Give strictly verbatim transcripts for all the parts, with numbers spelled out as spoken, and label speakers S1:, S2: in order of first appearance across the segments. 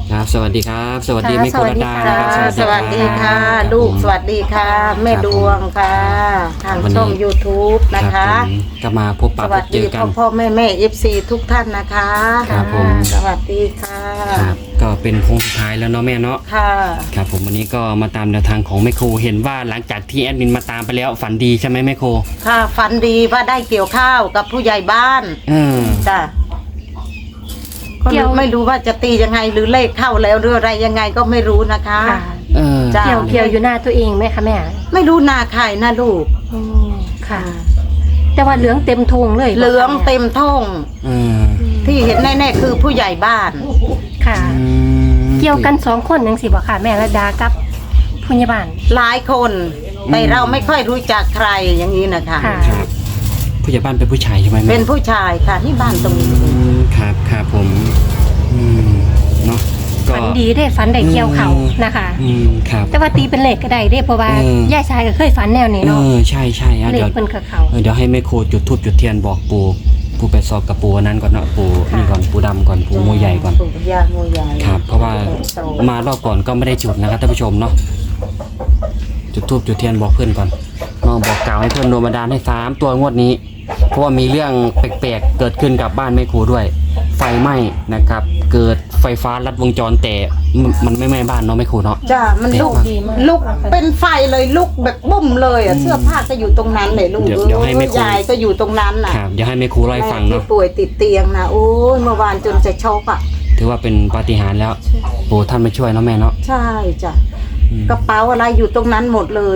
S1: ครับสวัสดีครับสวัสดี
S2: ค่ะ
S1: แม่โครดานะครับ
S2: สวัสดีค่ะ
S1: รับ
S2: ลูก
S1: ผม
S2: สวัสดีค่ะ แม่
S1: ครับ
S2: ดวงค่ะ ทาง
S1: วันนี้
S2: ช่อง YouTube นะ
S1: รั
S2: คะ
S1: บผมก็มาพบปะ
S2: ส
S1: พ
S2: วัส
S1: บเจ
S2: ดี
S1: อกั
S2: พ่อน พ่อแม่แม่เอฟซีทุกท่านนะคะ
S1: ครับผม
S2: สวัสดีค่ะ
S1: ครับก็เป็นโค้งสุดท้ายแล้วเนาะแม่เนาะ
S2: ค่ะ
S1: ครับผมวันนี้ก็มาตามแนวทางของแม่โคเห็นว่าหลังจากที่แอดมินมาตามไปแล้วฝันดีใช่ไหมแม่โค
S2: ค่ะฝันดีว่าได้เกี่ยวข้าวกับผู้ใหญ่บ้าน
S1: เออ
S2: จ้ะก็
S3: เกี่ยว
S2: ไม่รู้ว่าจะตียังไงหรือเลขเข้าแล้วหรืออะไรยังไงก็ไม่รู้นะคะ
S3: ค่ะ
S1: เออ
S2: จ้ะ
S3: เกี่ยวเกี่ยวอยู่หน้าตัวเองไหมคะแม่
S2: ไม่รู้นาใครนะลูก
S3: อืมค่ะ แต่ว่าเหลืองเต็มทงเลย
S2: เหลืองเต็มท้อง
S1: เออ
S2: ที่เห็นแน่ๆคือผู้ใหญ่บ้าน
S3: ค่ะ
S1: อืม
S3: เกี่ยวกันสองคนยังสิบ่ค่ะ แม่ระดากับพยาบาล
S2: หลายคนแต่เราไม่ค่อยรู้จักใครอย่างนี้นะคะ
S3: ค่ะ
S1: ครับผู้ใหญ่บ้านเป็นผู้ชายใช่ไหมแม่
S2: เป็นผู้ชายค่ะที่บ้านตรงนี้
S1: อืมครับครับผมอืมเนาะก็
S3: ฝันดีได้ฝันได้เกี่ยวเขา
S1: อืม
S3: นะคะ
S1: อืมครับ
S3: แต่ว่าตีเป็นเลขก็ได้เด้เพราะว่า
S1: เออ
S3: ย่าชายก็เคยฝันแนวนี้
S1: เอ
S3: เนาะ
S1: อใช่ใช่อ่ะ
S3: เล
S1: เดี๋
S3: ข
S1: ยว
S3: เพิ่นกับเขา
S1: เออเดี๋ยวให้แม่โคจุดทูบจุดเทียนบอกปู่ปู่ไปสอบกับปู่อันนั้นก่อนเนาะปู่
S3: ค่ะ
S1: นี่ก่อนปู่ดำก่อนปู่โมใหญ่ก่อน
S2: ปู่ย่าโมใหญ่
S1: ครับ เพราะว่ามารอบก่อนก็ไม่ได้จุดนะครับท่านผู้ชมเนาะจุดทูบจุดเทียนบอกเพื่อนก่อนน้องบอกกล่าวให้เพื่อนโดนบันดาลให้สามตัวงวดนี้ เพราะว่ามีเรื่องแปลกๆเกิดขึ้นกับบ้านแม่ครูด้วย ไฟไหม้นะครับ เกิดไฟฟ้าลัดวงจรแต่มันมันไม่ไหม้บ้านเนาะแม่ครูเนาะ
S2: จ้ามันลุก
S1: ดีมาก
S2: ลุกเป็นไฟเลยลุกแบบบุ้มเลยอ่ะเสื้อผ้าก็อยู่ตรงนั้นเลยลูก
S1: เดี๋ยวเดี๋ยวให้แม่ครู
S2: ยายก็อยู่ตรงนั้นน่ะ
S1: ครับเดี๋ยวให้แม่ครูเล่าให้ฟัง
S2: แม่
S1: เนาะ
S2: ที่ป่วยติดเตียงนะโอ้ยเมื่อวานจนจะช็อกอ่ะ
S1: ถือว่าเป็นปาฏิหาริย์แล้วปู่ท่านมาช่วยเนาะแม่เนาะ
S2: ใช่จ้ะ
S1: อืม
S2: กระเป๋าอะไรอยู่ตรงนั้นหมดเลย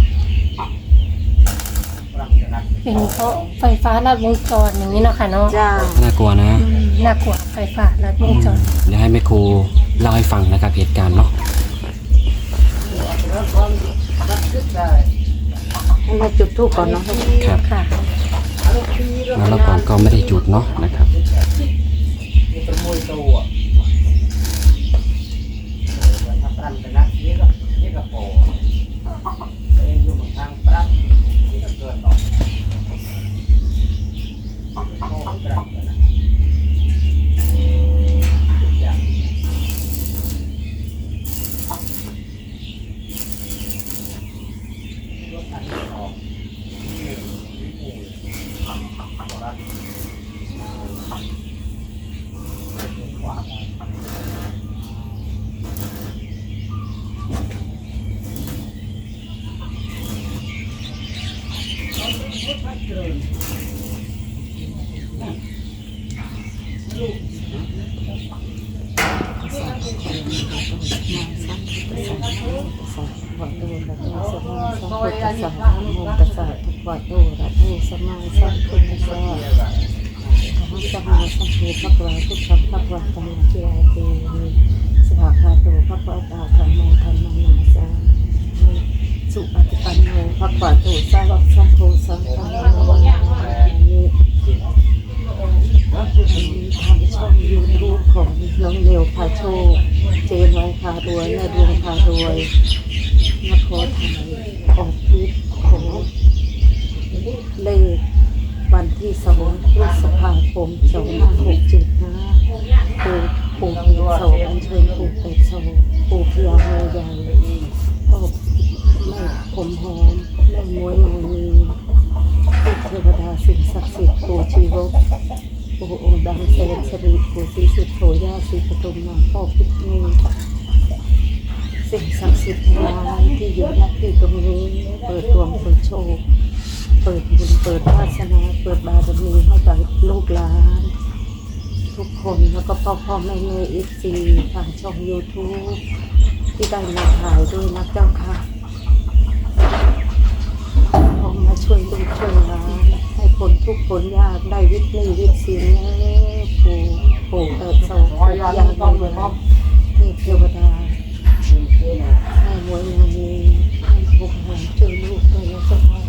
S3: เป็นเพราะไฟฟ้าลัดวงจรอย่างนี้เนาะค่ะเนาะ
S2: จ้า
S1: น่ากลัวนะ
S3: อืมน่ากลัวไฟฟ้าลัดวงจร
S1: เดี๋ยวให้แม่ครูเล่าให้ฟังนะครับเหตุการณ์เนาะ
S2: ให้มาจุดทูปก่อนเนาะ
S1: ครับ
S3: ค่ะ
S1: แล้วเราก่อนก็ไม่ได้จุดเนาะนะครับ
S2: สุปฏิปันโนภะคะวะโตสาวกสังโฆสังฆังนามิทางช่องยูทูบของน้องเนียวพาโชคเจนไว้พารวยแม่ดวงพารวยนครไทยออกคลิปของเลขวันที่สองพฤษภาคมสองห้าหกเจ็ดนะปู่ปู่เพียโสอัญเชิญปู่เป็ดโสปู่เพียโมใหญ่พ่อแม่ผมหอมแม่มวยนางมีปู่เทวดาสิ่งศักดิ์สิทธิ์ปู่ชีวกปู่องค์ดำเสนสรีปู่ศรีสุดโธย่าศรีปฐุมมาพ่อพิษณีสิ่งศักดิ์สิทธิ์ทั้งหลายที่อยู่ณที่ตรงนี้เปิดดวงเปิดโชคเปิดบุญเปิดวาสนาเปิดบารมีให้กับลูกหลานทุกคนแล้วก็พ่อพ่อแม่แม่เอฟซีทางช่องยูทูบที่ได้มาถ่ายด้วยนะเจ้าค่ะพอมาช่วยลูกช่วยหลานให้คนทุกคนยากได้วิทย์นี่วิทย์สินปู่ปู่เติบโตปู่ยาโมใหญ่เทพเทวดาให้มวยนางมีให้พวกเราช่วยลูกด้วยนะเจ้าค่ะ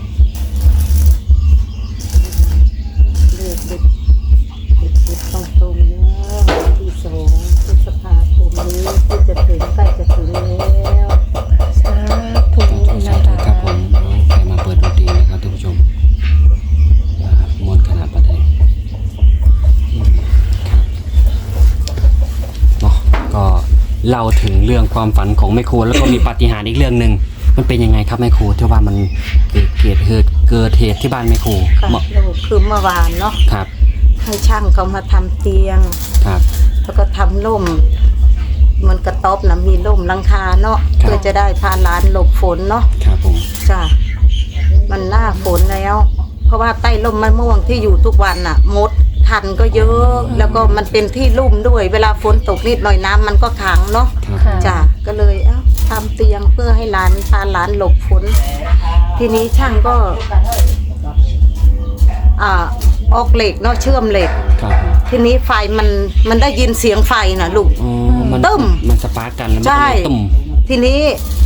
S2: เลือกเด็กเด็กเด็กตรงตรงๆนะที่สองพฤษภาคมนี้ที่จะถึงใกล้จะถึงแล้ว
S3: สาธุ
S1: สาธุ
S3: นะ
S1: ครั
S3: คะ
S1: บผมใครมาเปิดดนตรีนะครับท่านผู้ชมอ่ามวนขนาดประเทศอืมครับเนาะก็เล่าถึงเรื่องความฝันของแม่ครูแล้วก็มีปาฏิหาริย์อีกเรื่องหนึ่งมันเป็นยังไงครับแม่ครูที่ว่ามันเกิดเกิดเหตุเกิดเหตุที่บ้านแม่ครู
S2: ค่ะ
S1: เมื่อ
S2: ลูกคือเมื่อวานเนาะ
S1: ครับ
S2: ให้ช่างเขามาทำเตียง
S1: ครับ
S2: แล้วก็ทำร่มเหมันกระต๊อบนะมีร่มหลังคาเนาะ
S1: ครับ
S2: เพื่อจะได้พาหลานหลบฝนเนาะ
S1: ครับผม
S2: จ้ะมันหน้าฝนแล้ว เพราะว่าใต้ร่มมะม่วงที่อยู่ทุกวันน่ะมดคันก็เยอะ แล้วก็มันเป็นที่ลุ่มด้วย เวลาฝนตกนิดหน่อยน้ำมันก็ขังเนาะ
S1: ครับ
S3: ค่ะ
S2: จ้ะก็เลยเอ้าทำเตียงเพื่อให้หลานพาหลานหลบฝนทีนี้ช่างก็อ่าออกเหล็กเนาะเชื่อมเหล็ก
S1: ครับ
S2: ทีนี้ไฟมันมันได้ยินเสียงไฟนะลูก
S1: อ๋อมัน
S2: ตึ้ม
S1: มันสปาร์กกันแล้วมัน
S2: ใช่
S1: ก็เลยตุ่ม
S2: ทีนี้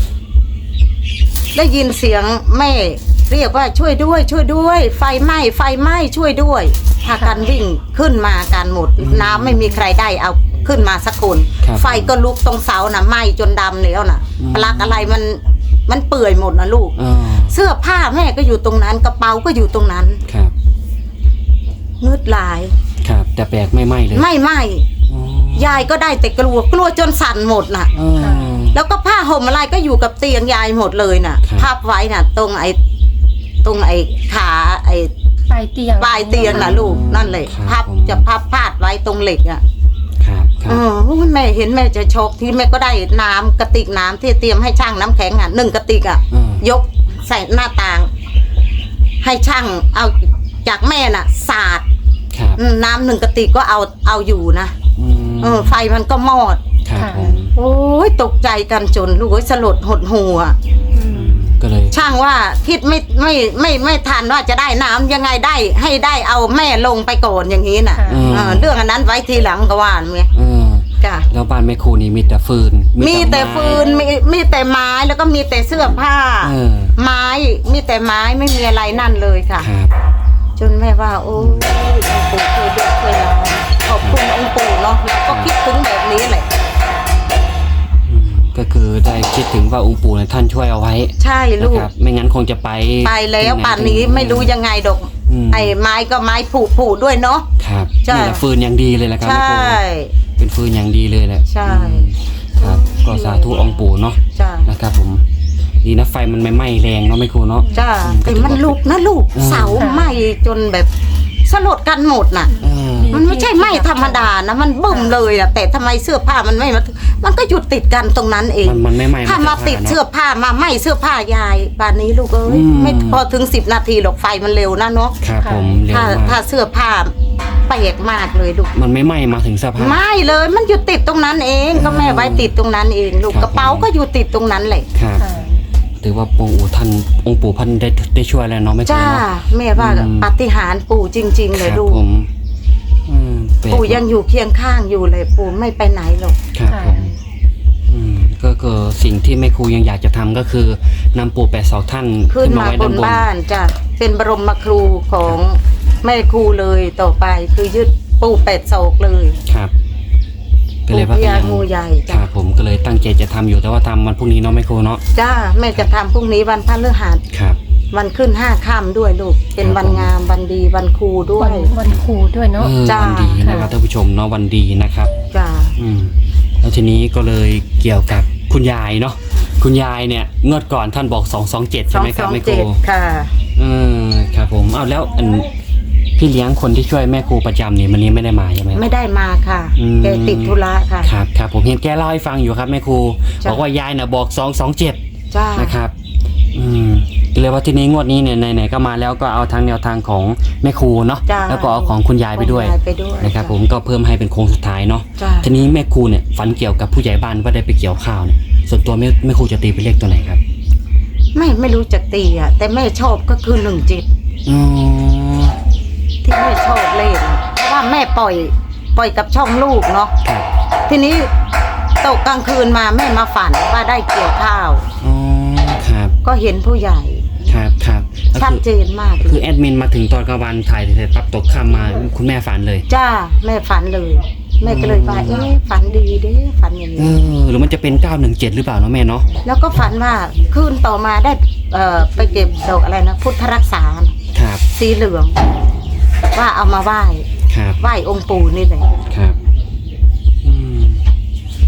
S2: ได้ยินเสียงแม่เรียกว่าช่วยด้วย ช่วยด้วย ไฟไหม้ไฟไหม้ช่วยด้วยพากันวิ่งขึ้นมากันหมด น้ำไม่มีใครได้เอาขึ้นมาสักคน
S1: ครับ
S2: ไฟก็ลุกตรงเสาน่ะไหม้จนดำแล้วน่ะ
S1: อืม
S2: ปลั๊กอะไรมันมันเปื่อยหมดนะลูก
S1: อ๋อ
S2: เสื้อผ้าแม่ก็อยู่ตรงนั้นกระเป๋าก็อยู่ตรงนั้น
S1: ครับ
S2: งืดหลาย
S1: ครับ แต่แปลกไม่ไหม้เลย
S2: ไม่ไหม้
S1: อ๋อย
S2: ายก็ได้แต่กลัวกลัวจนสั่นหมดน่ะ
S1: อ๋อ
S2: แล้วก็ผ้าห่มอะไรก็อยู่กับเตียงยายหมดเลยน่ะ
S1: ครับ
S2: พับไว้น่ะ ตรงไอ้ตรงไอ้ขาไอ้
S3: ปลายเตียง
S2: ปลายเตียงน่ะลูกนั่นเลย
S1: ครับ
S2: พับ
S1: ผม
S2: จะพับพาดไว้ตรงเหล็กอ่ะ
S1: ครับครั
S2: เอบ อโอ้ยแม่เห็นแม่จะช็อกที่แม่ก็ได้น้ำกระติกน้ำที่เตรียมให้ช่างน้ำแข็งอ่ะหนึ่งกระติกอ่ะ
S1: อืม
S2: ยกใส่หน้าต่าง ให้ช่างเอาจากแม่น่ะสาด
S1: ครับ
S2: อืมน้ำหนึ่งกระติกก็เอาเอาอยู่นะ
S1: อืม
S2: เออไฟมันก็มอด
S1: ครับ
S3: ค่ะ
S1: ผม
S2: โอ้ยตกใจกันจนลูกเอ้ยสลดหดหัว
S3: อืม
S1: ก็เลย
S2: ช่างว่าคิดไม่ไม่ไม่ไม่ทันว่าจะได้น้ำยังไงได้ ให้ได้เอาแม่ลงไปก่อนอย่างนี้น่ะ
S3: ค่ะ
S1: อืม
S2: เออเรื่องอันนั้นไว้ทีหลังก็ว่าเมีย
S1: เออ
S2: จ้ะ
S1: แล้วบ้านแม่ครูนี่มีแต่ฟืน
S2: มีแต่
S1: ไม้
S2: ฟืนมีมีแต่ไม้แล้วก็มีแต่เสื้อผ้า
S1: เออ
S2: ไม้มีแต่ไม้ไม่มีอะไรนั่นเลยค่ะ
S1: ครับ
S2: จนแม่ว่า โอ้ยองค์ปู่เคยเด็กเคยเราขอบคุณองค์ปู่เนาะเราก็คิดถึงแบบนี้แหละ
S1: อืมก็คือได้คิดถึงว่าองค์ปู่เนี่ยท่านช่วยเอาไว้
S2: ใช่
S1: นะ
S2: ลูก
S1: ครับ ไม่งั้นคงจะไป
S2: ไปแล้ว
S1: ที่ไห
S2: ป่านนี้ไม่รู้ยังไงดอก
S1: อืม
S2: ไอ้ไม้ก็ไม้ผุผุด้วยเนาะ
S1: ครับ
S2: ใช่
S1: นี่แหละฟืนอย่างดีเลยแหละครับ
S2: ใช่
S1: แม่ครูเป็นฟืนอย่างดีเลยแหละ
S2: ใช่
S1: อืมครับ ก็สาธุองค์ปู่เนาะ
S2: จ้า
S1: นะครับผมดีนะไฟมันไม่ไหม้แรงเนาะแม่ครูเนาะ
S2: จ้า
S1: อืม
S2: แต่มันลุกนะลูก
S1: อืม
S2: เสาไหม้จนแบบสลดกันหมดน่ะ
S1: เออ
S2: มันไม่ใช่ไหม้ธรรมดานะมันบึ้มเลยอะแต่ทำไมเสื้อผ้ามันไม่มามันก็หยุดติดกันตรงนั้นเอง
S1: มันมันไม่ไหม้
S2: ถ้ามาติดเสื้อผ้ามาไหม้เสื้อผ้ายายป่านนี้ลูกเอ้ย
S1: อืม
S2: ไม่พอถึงสิบนาทีหรอกไฟมันเร็วนะเนาะ
S1: ครับผมเร็ว
S2: ถ้าถ้าม
S1: าก
S2: เสื้อผ้าแปลกมากเลยลูก
S1: มันไม่ไหม้มาถึงเสื้อผ้า
S2: ไม่เลยมันอยู่ติดตรงนั้นเองก็แม่ไว้ติดตรงนั้นเองลูก
S1: ครับ
S2: กระเป๋าก็อยู่ติดตรงนั้นแหละ
S1: ครับ
S3: ค่ะ
S1: ถือว่าองค์ปู่ท่านองค์ปู่ท่านได้ได้ช่วยแล้วเนาะแม่ครู
S2: จ้า
S1: เนาะ
S2: แม่ว่า
S1: อืม
S2: ปาฏิหาริย์ปู่จริง ๆ เลย
S1: ครับ
S2: ลูก
S1: ผมอืมแปลก
S2: ปู่ยังอยู่เคียงข้างอยู่เลยปู่ไม่ไปไหนหรอก
S1: ครับผมอืมก็คือสิ่งที่แม่ครูยังอยากจะทำก็คือนำปู่แปดศอกท่าน
S2: ขึ้นมา
S1: ไว้
S2: บ
S1: ด้าน
S2: น
S1: บน
S2: บ้านจ้ะเป็นบรมครูของแม่ครูเลยต่อไปคือยึดปู่เป็ดโศกเลย
S1: ครับก็เลย
S2: ปู่
S1: ว่า
S2: พ
S1: ก็
S2: ญา
S1: ยัง
S2: งูใหญ่
S1: ค
S2: จ้ะ
S1: รับผมก็เลยตั้งใจจะทำอยู่แต่ว่าทำวันพรุ่งนี้เนาะแม่ครูเนาะ
S2: จ้าแม่จะทำพรุ่งนี้วันพฤหัส
S1: ครับ
S2: วันขึ้นห้าค่ำด้วยลูก เป็นวันงามวันดีวันครูด้ว
S3: วั
S2: ย
S3: นวันครูด้วยเนาะ
S1: เออ
S2: จ้า
S1: วันดีนะครับท่านผู้ชมเนาะวันดีนะครับ
S2: จ้า
S1: อืมแล้วทีนี้ก็เลยเกี่ยวกับคุณยายเนาะคุณยายเนี่ยงวดก่อนท่านบอกสองสองเจ็ด
S2: ส
S1: ใช่
S2: อง
S1: ไหมค
S2: ส
S1: รับ
S2: อง
S1: แม่ครู
S2: เจ็ดค่ะ
S1: เออครับผมเอาแล้วอันพี่เลี้ยงคนที่ช่วยแม่ครูประจำเนี่ยวันนี้ไม่ได้มาใช่ไหมครับ
S2: ไม่ได้มาค่ะ
S1: อืม
S2: แกติดธุระค่ะ
S1: ครับครับผมเห็นแกเล่าให้ฟังอยู่ครับแม่ครู
S2: จ้ะ
S1: บอกว่ายายน่ะบอกสองสองเจ็ด
S2: จ้า
S1: นะครับอืมก็เลยว่าทีนี้งวดนี้เนี่ยไหนๆก็มาแล้วก็เอาทางแนวทางของแม่ครูเนาะ
S2: จ้า
S1: แล้วก็เอาของคุณยายไปด้วย
S2: คุณไปด้วย
S1: นะครับ
S2: จ้
S1: ผมก็เพิ่มให้เป็นโค้งสุดท้ายเนาะ
S2: จ้า
S1: ทีนี้แม่ครูเนี่ยฝันเกี่ยวกับผู้ใหญ่บ้านว่าได้ไปเกี่ยวข้าวเนี่ยส่วนตัวแม่แม่ครูจะตีเป็นเลขตัวไหนครับ
S2: ไม่ไม่รู้จักตีอ่ะแต่แม่ชอบก็คือหนึ่งจิต
S1: อ๋อ
S2: ที่แม่ชอบเล่นเพราะว่าแม่ปล่อย ปล่อยกับช่องลูกเนาะ
S1: ครับ
S2: ทีนี้ตกกลางคืนมาแม่มาฝันว่าได้เกี่ยวข้าว
S1: อ๋อครับ
S2: ก็เห็นผู้ใหญ่
S1: ครับครับก็
S2: ชัด
S1: คือ
S2: เจนมากเล
S1: คือย แอดมินมาถึงตอนกลางวันถ่ายเสร็จปั๊บตกค่ำมาคุณแม่ฝันเลย
S2: จ้าแม่ฝันเลย แม่ก็เลยว่าเอ๊ะฝันดีเด้ฝันอย่าง
S1: เอ
S2: นี้
S1: อหรือมันจะเป็นเก้าหนึ่งเจ็ดหรือเปล่าเนาะแม่เนาะ
S2: แล้วก็ฝันว่าคืนต่อมาได้เอ่อไปเก็บดอกอะไรนะพุทธรักษา
S1: ครับ
S2: สีเหลือง ว่าเอามาไหว้
S1: ครับ
S2: ไหว้องค์ปู่นี่เลย
S1: ครับอืมส่วนตัว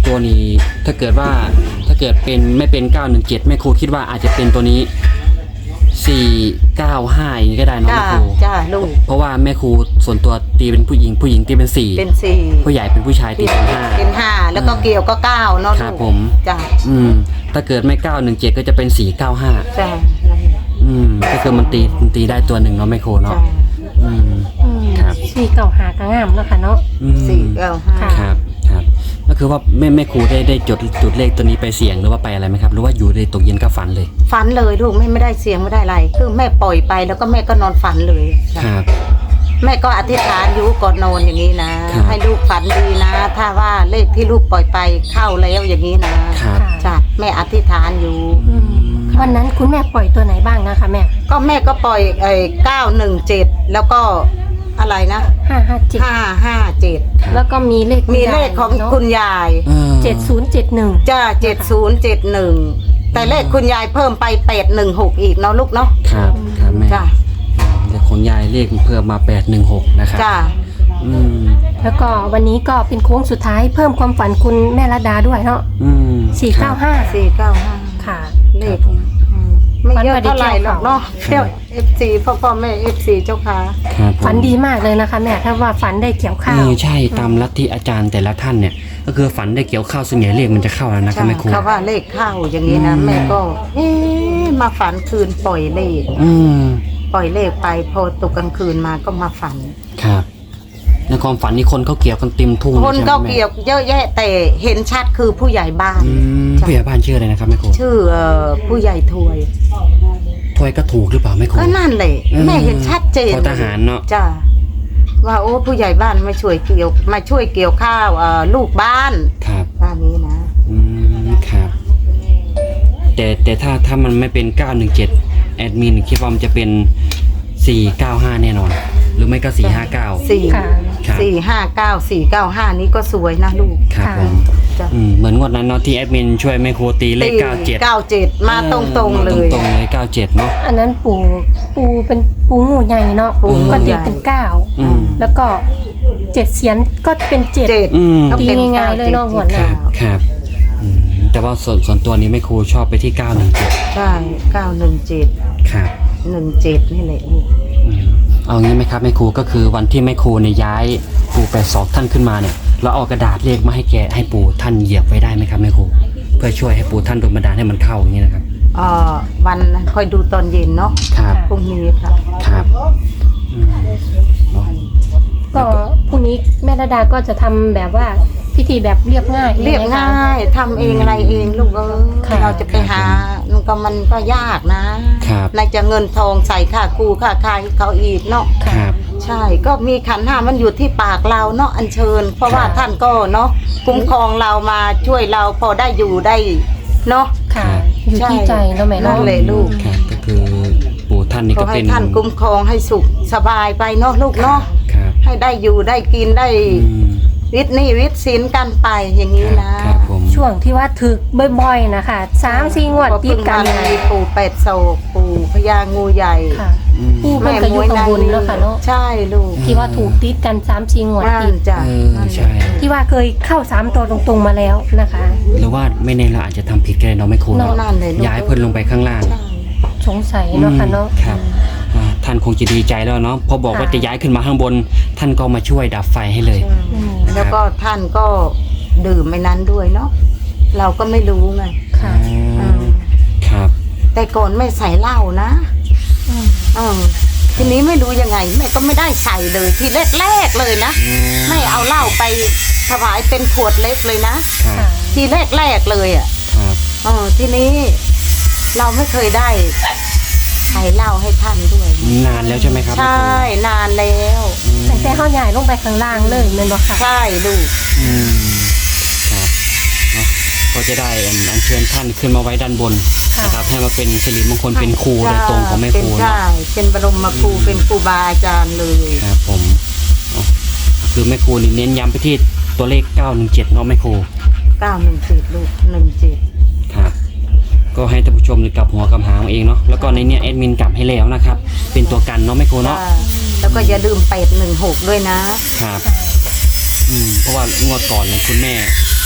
S1: ตัวนี้ถ้าเกิดว่าถ้าเกิดเป็นไม่เป็นเก้าหนึ่งเจ็ดแม่ครูคิดว่าอาจจะเป็นตัวนี้สี่เก้าห้าอย่างนี้ก็ได้เนาะ
S2: จ้า
S1: แม่ครู
S2: จ้าลูก
S1: เพราะว่าแม่ครูส่วนตัวตีเป็นผู้หญิงผู้หญิงตีเป็นสี่
S2: เป็นสี่
S1: ผู้ใหญ่เป็นผู้ชายตีเป็นห้า
S2: เป็นห้าแล้วก็เกี่ยวก็เก้าเนาะ
S1: ครั
S2: ลู
S1: บ
S2: ก
S1: ผม
S2: จ้า
S1: อืมถ้าเกิดไม่เก้าหนึ่งเจ็ดก็จะเป็นสี่เก้าห้า
S2: จ้า
S1: อืมก็คือมันตีมันตีได้ตัวหนึ่งเนาะแม่ครูเนาะ
S2: จ้า
S1: อืม
S3: อืม
S1: ครับ
S3: สี่เก่าหากระงามเนาะค่ะเนาะ
S1: อืม
S2: สี่เก้าห้า
S3: ค่ะ
S1: ครับครับก็คือว่าแม่แม่ครูได้ได้จดจุดเลขตัวนี้ไปเสี่ยงหรือว่าไปอะไรไหมครับหรือว่าอยู่ในตกเย็นก็ฝันเลย
S2: ฝันเลยลูกแม่ไม่ได้เสียงไม่ได้อะไรคือแม่ปล่อยไปแล้วก็แม่ก็นอนฝันเลยจ้ะ
S1: ครับ
S2: แม่ก็อธิษฐานอยู่ก่อนนอนอย่างนี้นะ
S1: ครับ
S2: ให้ลูกฝันดีนะ ถ้าว่าเลขที่ลูกปล่อยไปเข้าแล้วอย่างนี้นะครับ จ้ะแม่อธิษฐานอยู่
S3: อืมวันนั้นคุณแม่ปล่อยตัวไหนบ้างนะคะแม่
S2: ก็แม่ก็ปล่อยไอ้เก้าหนึ่งเจ็ดแล้วก็อะไรนะ
S3: ห้าห้าเจ็ด
S2: ห้าห้าเจ็ด
S3: แล้วก็มีเลข
S2: มีเลขของคุณยาย
S1: เออ
S3: เจ็ดศูนย์เจ็ดหนึ่ง
S2: จ้าเจ็ดศูนย์เจ็ดหนึ่งแต่เลขคุณยายเพิ่มไปแปดหนึ่งหกอีกเนาะลูกเนาะ
S1: ครับครับแม่
S2: จ้า
S1: เลขของยายเลขเพิ่มมาแปดหนึ่งหกนะครับ
S2: จ้า
S1: อืม
S3: แล้วก็วันนี้ก็เป็นโค้งสุดท้ายเพิ่มความฝันคุณแม่ระดาด้วยเนาะ
S1: อืม
S3: สี่เก้าห้า
S2: สี่เก้าห้า
S3: ค่ะ
S2: เลขอืมไม่เยอะเท่าไหร่หรอกเนาะเที่ยวเอฟซีพ่อพ่อแม่เอฟซีเจ้าค่ะ
S1: ครับผม
S3: ฝันดีมากเลยนะคะแม่ถ้าว่าฝันได้เกี่ยวข้า
S1: เอ
S3: ว
S1: อใช่ตามลัทธิอาจารย์แต่ละท่านเนี่ย ก็คือฝันได้เกี่ยวข้าวส่วนใหญ่เลขมันจะเข้าแล้วนะครับแม่ครู
S2: เขาว่าเลขเข้าอย่างนี้นะ
S1: อืม
S2: แม่ก็เอ๊ะมาฝันคืนปล่อยเลข
S1: อืม
S2: ปล่อยเลขไปพอตกกลางคืนมาก็มาฝัน
S1: ครับในความฝันนี่คนเขาเกี่ยวกันเต็มทุ่ง
S2: คน
S1: ใช่ไหม
S2: ก็
S1: แม่
S2: เกี่ยวเยอะแยะแต่เห็นชัดคือผู้ใหญ่บ้าน
S1: อืมผู้ใหญ่บ้านชื่ออะไรนะครับแม่ครู
S2: ชื่อเอ่อผู้ใหญ่ถวย
S1: ถ้วยก็ถูกหรือเปล่าแม่ครู
S2: ก็นั่นแหละ
S1: อืม
S2: แม่เห็นชัดเจน
S1: พอทหารเนาะ
S2: จ้าว่าโอ้ผู้ใหญ่บ้านมาช่วยเกี่ยวมาช่วยเกี่ยวข้าวเอ่อลูกบ้าน
S1: ครับ
S2: ว่านี้นะ
S1: อืมครับ แต่แต่ถ้าถ้ามันไม่เป็นเก้าหนึ่งเจ็ดแอดมินคิดว่ามันจะเป็นสี่เก้าห้าแน่นอน หรือไม่ก็สี่ห้าเก้า
S2: สี่
S3: ค่ะ
S1: ครับ
S2: สี่ห้าเก้าสี่เก้าห้านี้ก็สวยนะลูก
S1: ครับ
S3: ค่ะ
S1: ผม
S2: จ้ะ
S1: อืมเหมือนงวดนั้นเนาะที่แอดมินช่วยแม่ครูตีเลขเก้าเจ็ด
S2: เก้าเจ็ดมาตรงๆเลย
S1: ตรงๆเลยเก้าเจ็ดเนาะ
S3: อันนั้นปูปูเป็นปูงูใหญ่เนาะ
S2: ปูงู
S3: ก็ตี
S2: ใหญ่
S3: เป็นเก้า
S1: อืม
S3: แล้วก็เจ็ดเสียนก็เป็นเจ็ด
S2: เจ็ด
S1: อืม
S2: ก็เป็น
S3: ตีง่ายๆเลยเนาะหัวห
S1: ค
S3: น้า
S1: รับครับอืมแต่ว่าส่วนส่วนตัวนี้แม่ครูชอบไปที่เก้าหนึ่งเจ็ด
S2: ใช่เก้าหนึ่งเจ็ด
S1: ครับ
S2: หนึ่งเจ็ดนี่แหละลูก
S1: อืมเอางี้ไหมครับแม่ครูก็คือวันที่แม่ครูเนี่ยย้ายปู่แปดศอกท่านขึ้นมาเนี่ยเราเอากระดาษเลขมาให้แกให้ปู่ท่านเหยียบไว้ได้ไหมครับแม่ครูเพื่อช่วยให้ปู่ท่านโดนบันดาลให้มันเข้าอย่างนี้นะครับ
S2: เอ่อวันคอยดูตอนเย็นเนาะ
S1: ครับ
S2: พรุ่งนี้ค่ะ
S1: ครับอืมเนาะ
S3: ก็พรุ่งนี้แม่ระดาก็จะทำแบบว่าพิธีแบบเรียบง่าย
S2: เรียบ
S3: ใช่ไหมคะ
S2: ง่ายทำเองอะไรเองลูกเออ
S3: ค่ะ
S2: เราจะไปหามันก็มันก็ยากนะครับ ในจะเงินทองใส่ค่ากูค่าคายเขาอีกเนาะ
S1: ครับ
S2: ใช่ก็มีขันธ์ห้ามันอยู่ที่ปากเราเนาะอัญเชิญ เพราะว่า
S1: ครับ
S2: ท่านก็เนาะคุ้มครองเรามาช่วยเราพอได้อยู่ได้เนาะ
S3: ค่ะ อยู่ที่ใจเนาะแม่
S2: นั่
S3: เนาะ
S2: นแหละลูก
S1: ครับก็คือปู่ท่านนี่
S2: ขอ
S1: ก็
S2: ให้
S1: เป็น
S2: ท่านคุ้มครองให้สุขสบายไปเนาะลูกเนาะ
S1: ครับ
S2: ให้ได้อยู่ได้กินได้
S1: อืม
S2: วิทย์หนี่วิทย์สินกันไปอย่างนี้นะครับ
S1: ผม
S3: ช่วงที่ว่าถึกบ่อยๆนะคะสามสี่งวด
S2: พอ
S3: ติ
S2: เพิ่
S3: ด
S2: ง
S3: กัน
S2: มา
S3: เลย
S2: มีปู่เป็ดโศกปู่พญางูใหญ่
S3: ค่ะ
S1: อืม
S3: ปู่เพิ่นก็อยู่ข้างบนเนาะค่ะเนาะ
S2: ใช่ลูก
S3: ที่ว่าถูกติดกันสามสี่งวด
S2: นั่
S3: ติ
S2: น
S3: ด
S2: จ้ะ
S1: เออ
S2: นั่นแหละ
S1: ใช่
S3: ที่ว่าเคยเข้าสามตัวตรงๆมาแล้วนะคะ
S1: หรือว่าไม่แน่เราอาจจะทำผิดก็ได้เนาะแม่ครู
S2: นั่น
S1: เนาะ
S2: นั่นเลยลูก
S1: ย้ายเพิ่นลงไปข้างล่าง
S2: ใช่
S3: สงสัยเนาะค่ะเนาะ
S1: ครับอ่าท่านคงจะดีใจแล้วเนาะพอบอกว่า
S3: ค่ะ
S1: จะย้ายขึ้นมาข้างบน ท่านก็มาช่วยดับไฟให้เลย
S3: อืม
S2: แล้วก็ท่านก็ดื่มไม่นั้นด้วยเนาะเราก็ไม่รู้ไง
S3: ค่ะ
S1: อ๋อครับ
S2: แต่ก่อนไม่ใส่เหล้านะ
S3: อืม
S2: เออทีนี้ไม่รู้ยังไงแม่ก็ไม่ได้ใส่เลยทีแรกๆเลยนะไม่เอาเหล้าไปถวายเป็นขวดเล็กเลยนะครับ
S3: ค่ะ
S2: ทีแรกๆเลยอ่ะ
S1: ครับ
S2: เออทีนี้เราไม่เคยได้ใส่เหล้าให้ท่านด้วย
S1: นานแล้วใช่ไหมครับ
S2: ใช่นานแล้ว
S1: อืม
S3: แต่แต่เขาใหญ่ลงไปข้างล่างเลยแม่นบ่ค่ะ
S2: ใช่ลูก
S1: อืมครับเนาะก็จะได้อันอัญเชิญท่านขึ้นมาไว้ด้านบน
S3: ค่ะ
S1: นะครับให้มาเป็นสิริมงคลเป็นครูโดยตรงของแม่ครู
S2: เป็น
S1: เนาะ
S2: ใช่เป็นบรมครูเป็นครูบาอาจารย์เลย
S1: ครับผมเนาะคือแม่ครูนี่เน้นย้ำไปที่ตัวเลขเก้าหนึ่งเจ็ดเนาะแม่ครู
S2: เก้าหนึ่งเจ็ดลูกหนึ่งเจ็ด
S1: ครับก็ให้ท่านผู้ชมกลับหัวกลับหางเองเนาะแล้วก็ในเนี้ยแอดมินกลับให้แล้วนะครับเป็นตัวกันเนาะแม่ครูเนาะ
S2: แล้วก็อย่าลืมเป็ดหนึ่งหกด้วยนะ
S1: ครับอืมเพราะว่างวดก่อนเนี่ยคุณแม่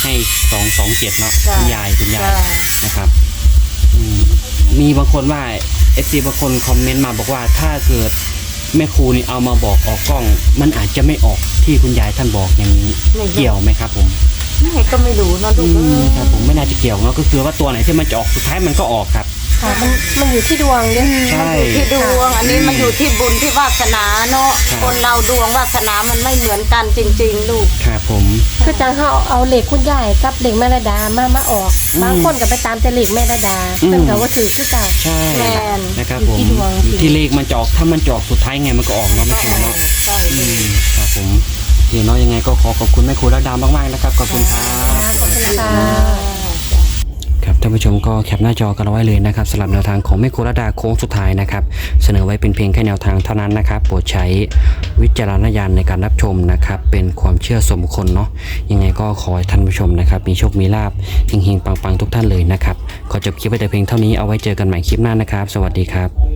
S1: ให้สองสองเจ็ดเนาะ
S2: จ้ะ
S1: คุณยายคุณยาย
S2: จ้ะ
S1: นะครับอืมมีบางคนว่าเอฟซีบางคนคอมเมนต์มาบอกว่าถ้าเกิดแม่ครูนี่เอามาบอกออกกล้อง มันอาจจะไม่ออกที่คุณยายท่านบอกอย่างนี้เกี่ยวไหมครับผม
S2: แม่ก็ไม่รู้เนอะลู
S1: อื
S2: กเอ้
S1: ม
S2: ย
S1: ครับผมไม่น่าจะเกี่ยวเนาะก็คือว่าตัวไหนที่มันจะออกสุดท้ายมันก็ออกครับ
S3: ค่ะมันมันอยู่ที่ดวงด้วย
S1: ใช่
S2: ที่ดวงอันนี้มันอยู่ที่บุญที่วาสนาเนาะ
S1: ครับ
S2: คนเราดวงวาสนามันไม่เหมือนกันจริง ๆ ลูก
S1: ครับผม
S3: คือจังเขาเอาเหล็กคุณยายกับเหล็กแม่ระดามามาออก
S1: อืม
S3: บางคนก็ไปตามแต่เหล็กแม่ระดา
S1: อืม
S3: เพิ่นก็ว่าถือคือเก่า
S1: ใช่
S2: แม่น
S1: นะครับ
S3: อยู่
S1: ผม
S3: ที่ดวงจริง
S1: ที่เลขมันจะออกถ้ามันจะออกสุดท้ายไงมันก็ออกเนาะแม่ครูเนาะ
S2: ใช่
S1: อืมครับผมโอเคเนาะยังไงก็ขอขอบคุณแม่ครูรัตดามากๆนะครับขอบคุณครับ
S3: ขอบคุณค่ะ
S1: ครับท่านผู้ชมก็แคปหน้าจอกันเอาไว้เลยนะครับสำหรับแนวทางของแม่ครูรัตดาโค้งสุดท้ายนะครับเสนอไว้เป็นเพียงแค่แนวทางเท่านั้นนะครับโปรดใช้วิจารณญาณในการรับชมนะครับเป็นความเชื่อส่วนบุคคลเนาะยังไงก็ขอให้ท่านผู้ชมนะครับมีโชคมีลาภเฮงๆปังๆทุกท่านเลยนะครับขอจบคลิปไว้แต่เพียงเท่านี้เอาไว้เจอกันใหม่คลิปหน้านะครับ สวัสดีครับ